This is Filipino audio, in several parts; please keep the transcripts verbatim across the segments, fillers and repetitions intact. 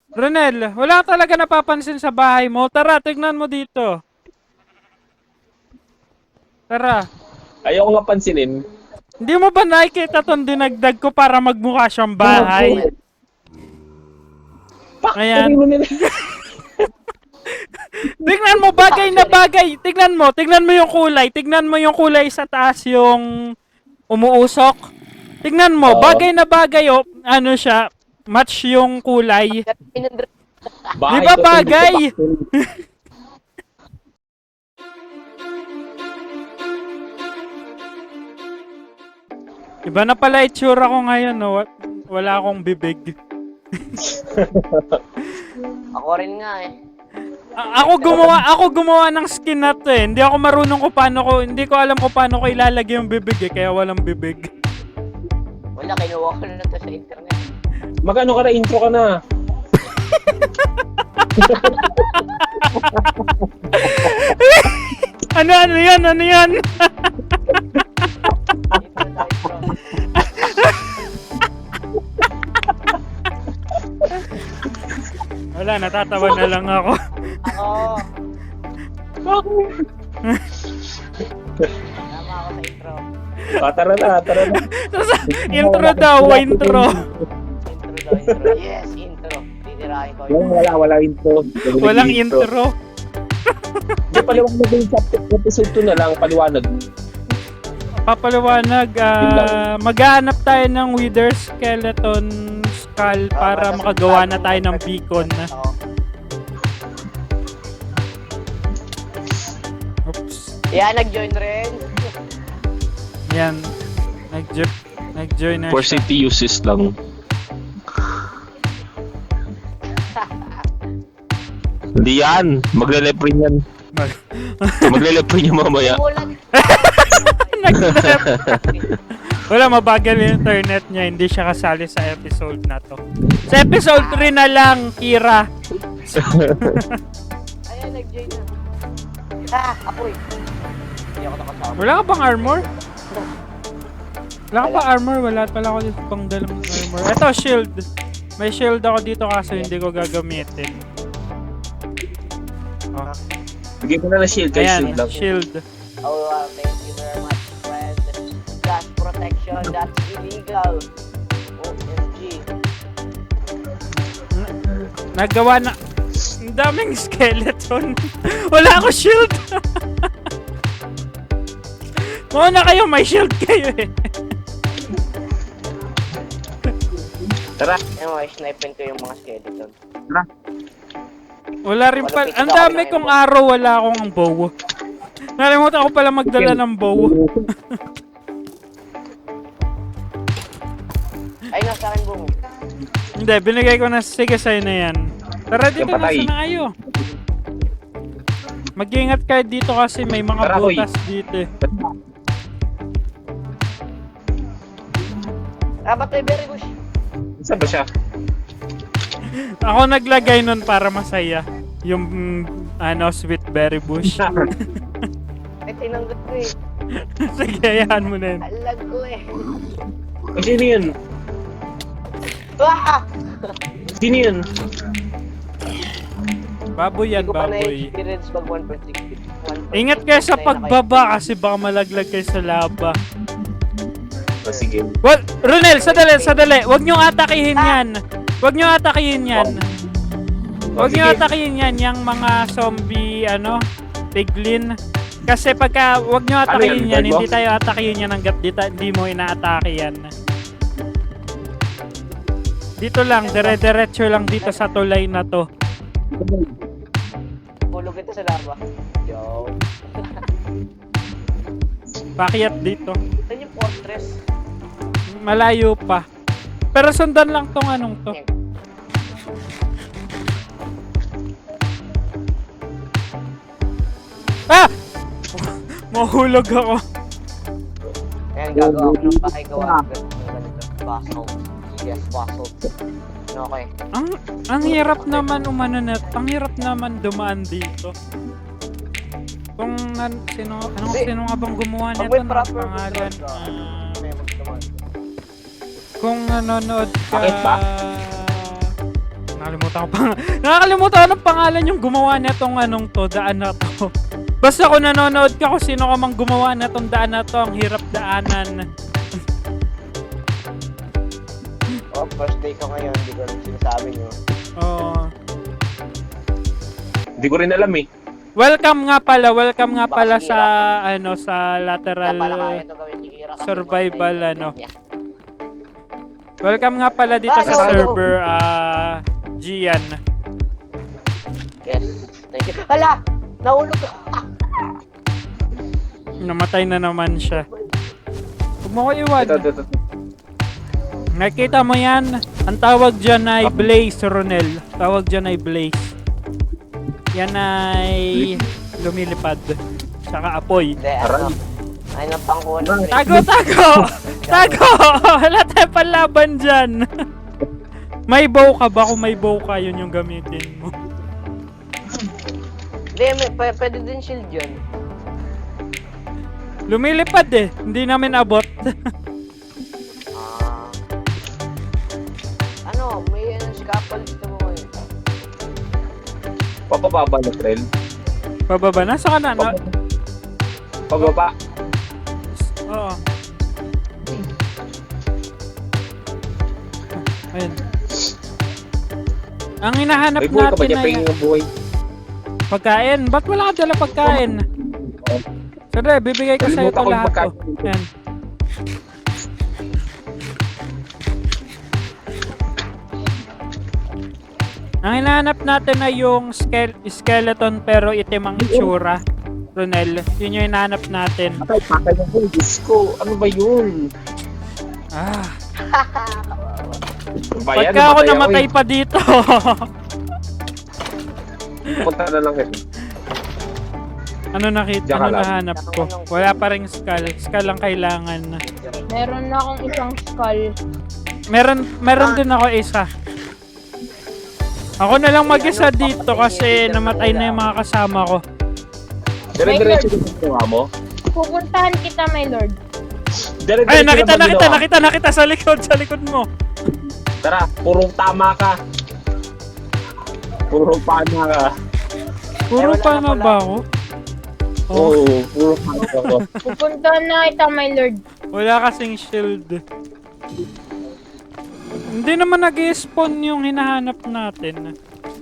Ronel, wala talaga napapansin sa bahay mo. Tara, tignan mo dito. Tara. Ayoko nga pansinin. Hindi mo ba nakikita tong dinagdag ko para magmukha siyang bahay? Factory Ayan. mo nila. Tignan mo, bagay na bagay. Tignan mo, tignan mo yung kulay. Tignan mo yung kulay sa taas yung umuusok. Tignan mo, Oo. bagay na bagay. Oh, ano siya, match yung kulay. Di Bahay ba ko to, hindi to bagay? factory. Iba na pala itsura ko ngayon, no? Wa- Wala akong bibig. Ako rin nga eh. A- ako gumawa, ako gumawa ng skin na to eh. Hindi ako marunong kung paano ko, hindi ko alam kung paano ko ilalagay yung bibig eh, kaya walang bibig. Wala, kinuha ko na to sa internet. Magkano ka na intro ka na? Ano, ano yan, ano yan? Intro na intro. Wala, natatawa na lang ako. Ako. Tama ako sa intro. Ah, tara na, tara na. Intro daw, intro. Intro daw, intro. Yes, intro. Titirahin ko Walang yun. wala, wala intro. Walang intro. Hindi, paliwanag din sa episode two na lang, paliwanag. Papaliwanag, ah, maghahanap tayo ng wither skeleton skull para makagawa na tayo ng beacon. Oo. Oops. Yeah, nag-join rin. Yan. Nag-join, nag-join na For siya. safety uses lang. Hindi yan. Magle-lepre yan. Mag- Magle-lepre niya mamaya. Umulan. Nag-left. Wala, mabagal yung internet niya. Hindi siya kasali sa episode na to. Sa episode three na lang, Kira. Ayan, nag-join na. Ah, apoy. Hindi ako nakasama. Wala ka bang armor? Wala ka pa armor? Wala pala ako dito pang dalang armor. Ito, shield. May shield ako dito kaso hindi ko gagamitin. Oh. Bigay ko na na shield, guys. Ayan, Shield lang. shield. Oh, wow, thank you very much, friend. Gas protection, that's illegal. O M G. Nagawa na... Ang daming skeleton. Wala ako shield. Mauna kayo, may shield kayo eh. Tara. Anyway, snipen ko yung mga skeleton. Tara. Wala rin pala. Ang dami kong arrow, wala akong bow. Nalimutan ko pala magdala ng bow. Ay, nasa akin bumo. Hindi, binigay ko na. Sige, sa'yo na yan. Tara dito, Yung patay. nasa na kayo. Mag-ingat kayo dito kasi may mga Tara, hoy. butas dito eh. Ah, ba't may berry bush? Saan ba siya? Ako naglagay nun para masaya. Yung, mm, ano, sweet berry bush. Ay, tinanggot ko eh. Sige, ayahan mo na yun. Alag ko eh. Ay, sino yun? Ah! Sino yun? Baboy yan, Hindi ko pa baboy. na-experience mag one point six. Ingat kayo sa pagbaba kasi baka malaglag kayo sa lava. Oh, sige. Well, Ronel, sadali, sadali. Huwag nyo atakihin yan. Huwag nyo atakihin yan. Oh, Huwag nyo sige. atakihin yan, yung mga zombie, ano, piglin. Kasi pagka, huwag nyo atakihin Ano yan, yan, hindi Garbo? tayo atakihin yan hanggat di, ta- di mo inaatake yan. Dito lang, dire-diretso lang dito sa tulay na to. Hulog ito sa lava. Yo. Pakyat dito. Saan yung fortress? Malayo pa. Pero sundan lang tong anong to. Ah! Mahulog ako. Ayan, gagawa ko ng bahay gawa. ng ganito. Basalt. Yes, basalt. Okay. Ang ang hirap naman umano na, ang hirap naman dumaan dito. Kung nan, sino, anong Hindi. sino nga bang gumawa Pag nito may ng proper pangalan? control ka, Ah, may magdaman. kung nanonood ka, Bakit ba? Nakalimutan ko pang Nakakalimutan ko ng pangalan yung gumawa nitong anong to, daan na to. Basta kung nanonood ka kung sino ka mang gumawa nitong daan na to, ang hirap daanan. Oh, first day ko ngayon, hindi ko rin sinasabi nyo. Oo. Hindi ko rin alam eh. Welcome nga pala, welcome nga Baka pala si sa ano sa lateral Kaya pala kaya ito gawin ni Kira kasi survival, birthday ano. niya. Welcome nga pala dito Ah, sa hello. server ah Gian. Yes, thank you. Hala! Nahulog ko! Namatay na naman siya. Huwag mo ko iwan. Ito, ito, ito. Nakita mo yan? Ang tawag dyan ay Blaze, Ronel. Tawag dyan ay Blaze. Yan ay lumilipad. Tsaka apoy. Hindi, ano? Ay, napangkunan. Tago, tago! Tago! Wala tayong panlaban dyan. May bow ka ba? Kung may bow ka, yun yung gamitin mo. Hindi, may, p- pwede din shield yun. Lumilipad eh. Hindi namin abot. Ah. Ano, may ano, scaffold dito mo ngayon. Papababa na trail. Pababa na? Saan ka na? na? Pababa. Oo. Ayun. Ang hinahanap May buhay ka ba natin dyan? ay Pahingin ng buhay. pagkain. Ba't wala ka dala pagkain? Sige, bibigay ko sa'yo ito Nalimutan ko yung lahat. pagkain. Oh. Ayan. Ang hinahanap natin ay yung ske- skeleton pero itim ang itsura. Ronel, yun yung hinahanap natin. Patay, patay na ko. Diyos ko, ano ba yun? Ah, Ano ba yan? pagka ako Namatay namatay eh. pa dito. Punta na lang ito. Ano nakita? Diyan ka Ano lang. nahanap ko? Wala pa ring skull. Skull lang kailangan. Meron na akong isang skull. Meron, meron din ako isa. Ako na lang mag-isa dito kasi namatay na yung mga kasama ko. Dire-diretso din ang ginawa mo? Pupuntahan kita, my lord. Dire-diretso Ay, nakita, lang ang nakita, ginawa? nakita, nakita sa likod, sa likod mo. Tara, purong tama ka. Purong pana ka. Puro wala pa na na pala. ba ako? Oh, Oo, purong pana ka. Pupuntahan na kita, my lord. wala kasing shield. Hindi naman nag-spawn yung hinahanap natin.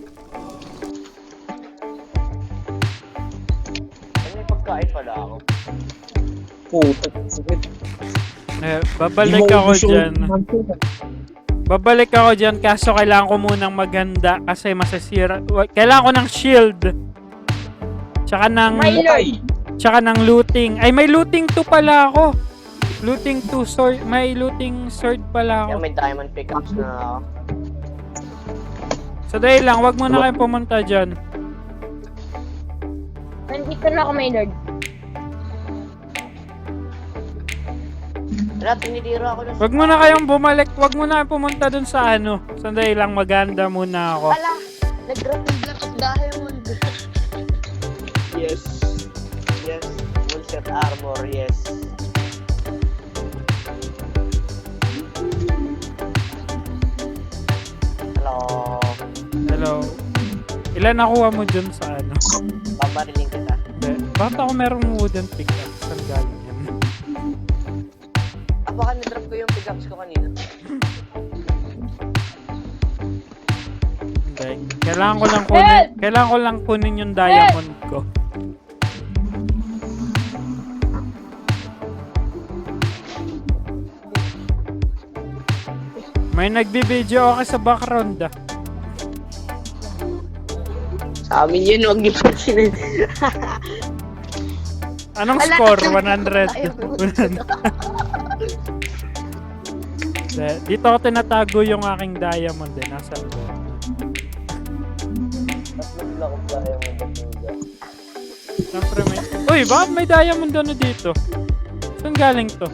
Ano may pagkain pala ako? Puta, sakit. Eh, babalik ako dyan. Babalik ako dyan kaso kailangan ko munang maghanda kasi masasira. wa- Kailangan ko ng shield. Tsaka ng, May lord. Ay, tsaka ng looting. Ay, may looting two pala ako. Looting two sword. May looting sword pala Yan, ako. may diamond pickaxe na ako. So dahil lang, wag mo na kayong pumunta dyan. Nandito na ako, my lord. Wala, tinidira ako na. Wag mo na kayong bumalik. Wag mo na kayong pumunta dun sa ano. Sandali lang, maganda muna ako. Ala! Nag-grapple block of diamond! Yes. Yes. Full set armor, yes. Hello. Hello. Ilan nakuha mo dun sa ano? Babariling kita. Hindi. Bakit ako merong wooden pickaxe? Saan galing yan? Ah, baka na-drop ko yung pickaxe ko kanina. Hindi. Kailangan ko lang kunin. Kailangan ko lang kunin yung diamond ko. May nagbibideo ako sa background ah. Sa amin yun, huwag niyo pa sinin. Anong Wala score? ka- one hundred. Hindi. Dito ako tinatago yung aking diamond eh. Nasaan ko? Block of diamond at ninja. Siyempre may... Uy, bakit may diamond ano dito? Saan galing to?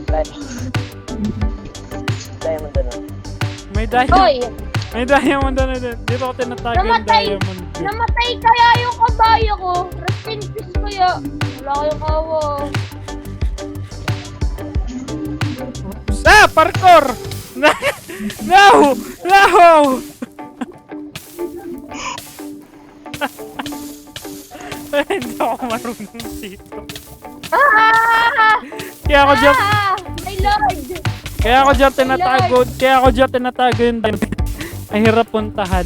Diamond ano? May diamond. Hoy! May diamond ano dito. Dito ako tinatago yung Namatay! diamond ko. Namatay kaya yung kabayo ko. Rest in peace kaya. Wala kayong kawa. Ah! Parkour! No! No! Hindi ako marunong dito. Ah! Kaya ako dyan, Ah! My lord! kaya ako dyan tinatago, kaya ako dyan tinatago yung diamond. Ang hirap puntahan.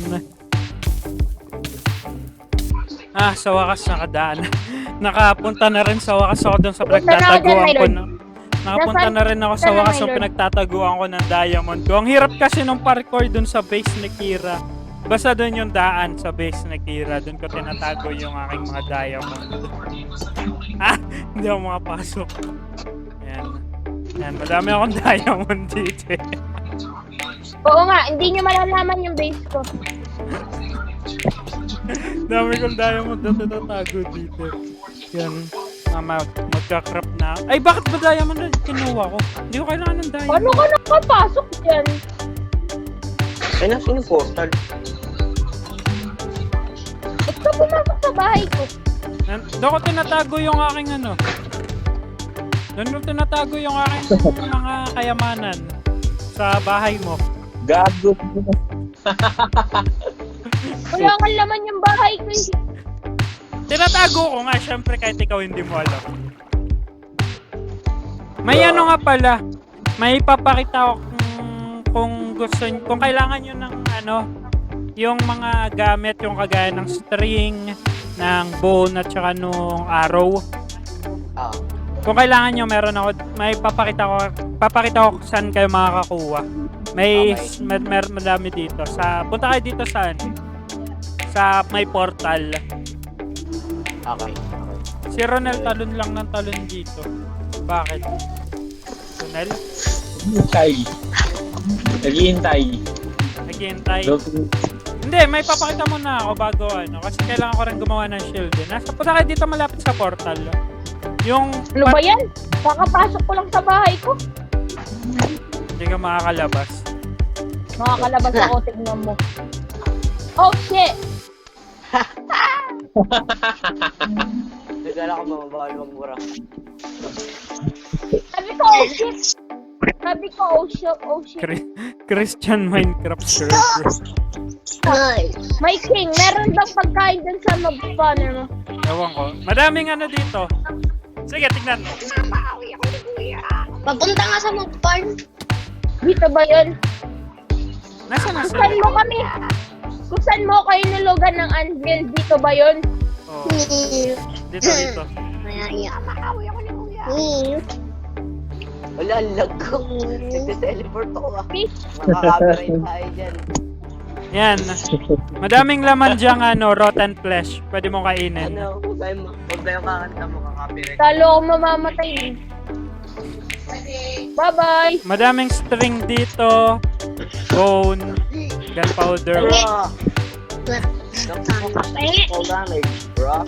Ah, sa wakas nakadaan. Nakapunta na rin sa wakas ako dun sa Punta na ako dyan, pinagtataguan my ko. lord. Na, nakapunta Nasaan- na rin ako sa Nasaan na, wakas my yung lord? pinagtataguan ko ng diamond ko. Ang hirap kasi nung parkour dun sa base ni Kira. Basta dun yung daan sa base ni Kira. Dun ko tinatago yung aking mga diamond. Ah, hindi ako makapasok. Yan. Yan, madami akong diamond dito eh. Oo nga, hindi nyo malalaman yung base ko. Dami kong diamond na tinatago dito. Yan. Mama, magka-crop na. Ay, bakit ba diamond na kinuha ko? Hindi ko kailangan ng diamond. Paano ka nakapasok dyan? Ay, nasa yung portal. Ba't ka pumasok sa bahay ko? Nan- Doon ko tinatago yung aking ano. Doon ko tinatago yung aking mga kayamanan sa bahay mo. Gago. Wala kang laman yung bahay ko eh. Tinatago ko nga, syempre kahit ikaw hindi mo alam. May ano nga pala, may papakita ko kung, kung gusto nyo, kung kailangan nyo ng ano, yung mga gamit, yung kagaya ng string, ng bone at saka nung arrow. Ah. Kung kailangan nyo, meron ako, may papakita ko, papakita ko kung saan kayo makakakuha. May, Okay. mer, mer, madami dito. Sa, punta kayo dito saan? Sa may portal. Okay. Si Ronel talon lang ng talon dito. Bakit? Ronel? Hintay. Naghihintay. Naghihintay? Look- Hindi, may papakita mo na ako bago ano. Kasi kailangan ko rin gumawa ng shield eh. Nasa punta kayo dito malapit sa portal. Yung... Ano ba yan? Kakapasok ko lang sa bahay ko. Hindi ka makakalabas. Makakalabas ako, tignan mo. Oh shit! Nagala ko ba mabawal magmura? Sabi ko, oh shit! Sabi ko, oh shit, oh shit. Chri- Christian Minecraft server. My king, meron bang pagkain dun sa mob spawner mo? Ewan ko. Madaming ano dito. Sige, tignan mo. Papunta nga sa mob farm. Dito ba yun? Nasaan na Kung saan sila? mo kami? Kung saan mo kayo nulugan ng anvil? Dito ba yun? Oh, dito, dito. Maya, makawi ako ni Kuya. Hmm. Wala, ang lag ko. Nagte-teleport ako ah. Please? Makaka-copyright tayo dyan. Yan. Madaming laman diyang ano, rotten flesh. Pwede mo kainin. Ano, huwag tayong huwag tayong kakanta mo, kaka-copyright. Talo ako mamamatay eh. Bye-bye! Madaming string dito. Bone. Gunpowder. Bro! Full damage, bro.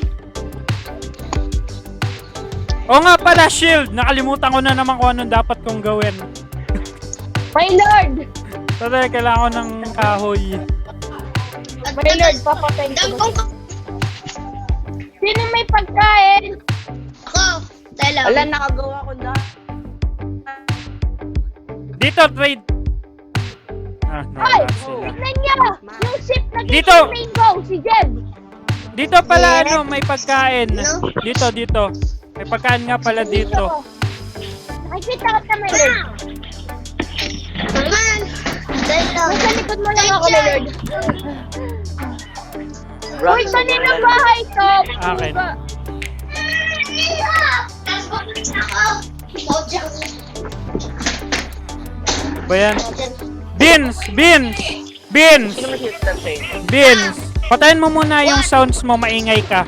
Oo nga pala, shield! Nakalimutan ko na naman kung anong dapat kong gawin. My lord! Totoo, kailangan ko ng kahoy. My lord, papatayin ko. Dampong ko. Sino may pagkain? Ako. Tela. Wala, nakagawa ko na. Dito, trade! Ah, Ay! nawala sila. Tignan niya! Yung ship na Dito! rainbow, si Jeb! Dito pala, ano, may pagkain. No? Dito, dito. May pagkain nga pala dito. Nakikita ka my lord. Naman. Tela. Nasa likod mo lang ako, my lord. Bro, Uy, kanina ng bahay to! Akin. Tapos pupunta ako. Mojang. Ba yan? Beans! Beans! Beans! Sino mas hipster sa'yo? Beans! Patayin mo muna yung sounds mo, maingay ka.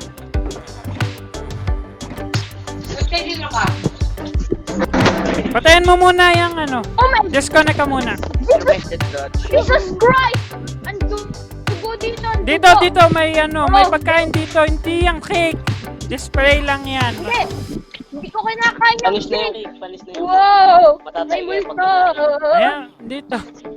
Patayin mo muna yung ano. Oh my Disconnect ka muna. Requested dodge. Jesus Christ! Ang dugo dito, ang Dito, dugo. dito, may ano, may pagkain dito. Hindi yung cake. Display lang yan. Hindi! Hindi ko kinakain yung Panis na yung cake! cake, panis na yung cake. Wow! Matatay May kayo multo! Ayan, dito.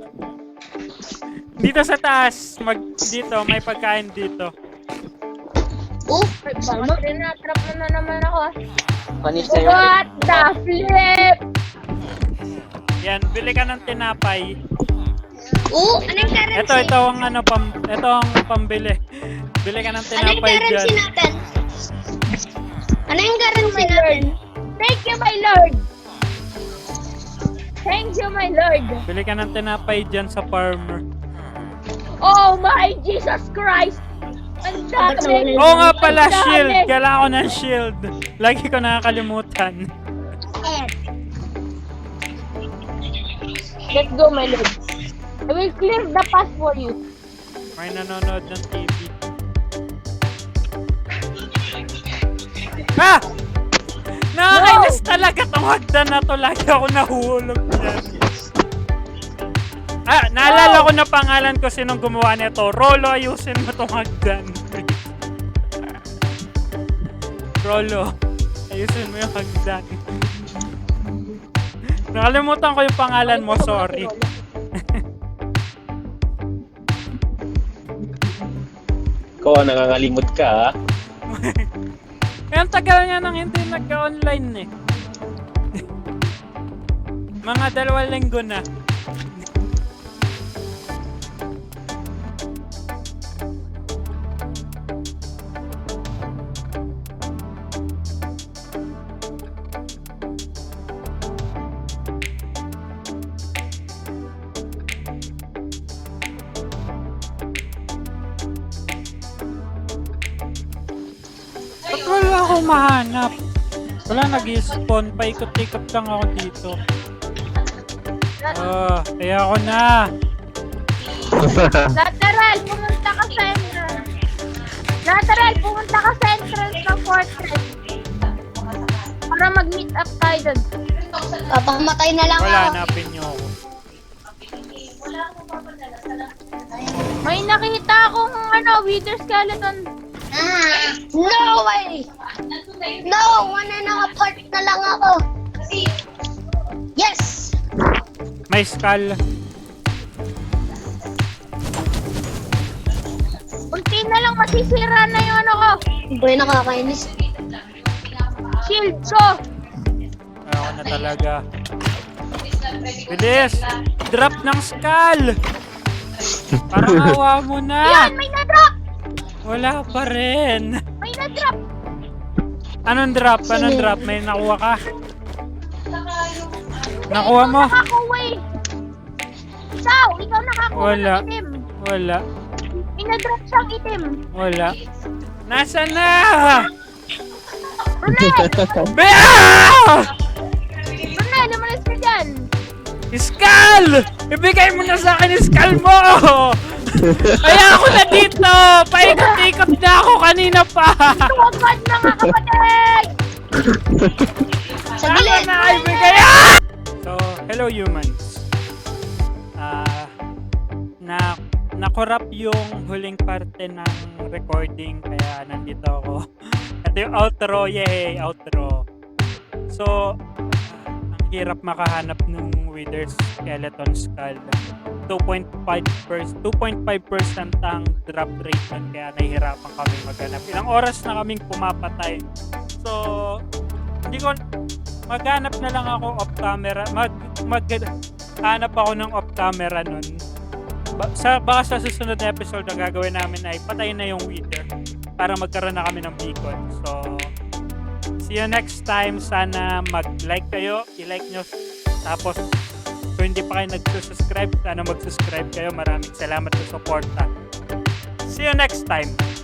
Dito sa taas. Mag, dito, may pagkain dito. Oh, Baka tinatrap mo na naman ako ah. Panis na yung cake. What the flip? Yan, bili ka ng tinapay. oh, anong currency? Ito, ito ang ano, pam, ito ang pambili. Bili ka ng Anong tinapay currency dyan. natin? Ano yung currency my natin? Lord. Thank you, my Lord. Thank you, my Lord. Bili ka ng tinapay dyan sa farmer. Oh my Jesus Christ! Ang dami! Oo nga pala, Ang dami! shield. Kailangan ko ng shield. Lagi ko nakakalimutan. Let's go, my Lord. I will clear the path for you. May nanonood ng T V. Ah! Nakakainis talaga tong hagdan na to. Lagi ako nahuhulog dyan. Ah, naalala ko na pangalan ko sinong gumawa nito. Rolo, ayusin mo tong hagdan. Rolo, ayusin mo yung hagdan. Nakalimutan ko yung pangalan mo, sorry. Ikaw, nangangalimot ka, ha? Eh, ang tagal niya nang hindi nagka-online eh. Mga dalawang linggo na. Ba't wala akong mahanap? Wala, nag-spawn. Paikot-ikot lang ako dito. Oh, kaya ako na. Lateral, pumunta ka sa entrance. Lateral, pumunta ka sa entrance ng fortress. Para mag-meet up tayo dun. Papakamatay na lang Wala, ako. hanapin niyo ako. May nakita akong ano, wither skeleton. Ah, no way! No! One and a part na lang ako. Yes! May skull. Unti na lang masisira na yung ano ko. Boy, nakakainis. Shield ko. Ako na talaga. Bilis! Drop ng skull! Parang awa mo na! Yan, may na-drop! Wala pa rin! May na-drop! Anong drop? Anong drop? May nakuha ka? Nakuha mo? Nakakuha eh. Ikaw, ikaw nakakuha Wala. ng itim. Wala. May na-drop siyang itim. Wala. Nasaan na? Brunel! Bea! Brunel, lumalas ka dyan. Skull! Ibigay mo na sa akin yung skull mo! Kaya ako na dito! Paikot-ikot na ako kanina pa! Tuwagad na nga kapatid! Ako na ibigay! Ah! So, hello humans. Ah, na nakorap yung huling parte ng recording kaya nandito ako. Ito yung outro, yay! Outro. So, ang hirap makahanap ng wither skeleton skull. two point five percent ang drop rate nun kaya nahihirapan kami maghanap. Ilang oras na kaming pumapatay. So, hindi ko maghanap na lang ako off camera. Mag maghanap ako ng off camera nun. Ba, sa baka sa susunod na episode ang gagawin namin ay patayin na yung wither para magkaroon na kami ng beacon. So, see you next time. Sana mag-like kayo, i-like nyo. Tapos, kung hindi pa kayo nag-subscribe, sana mag-subscribe kayo. Maraming salamat sa suporta. See you next time.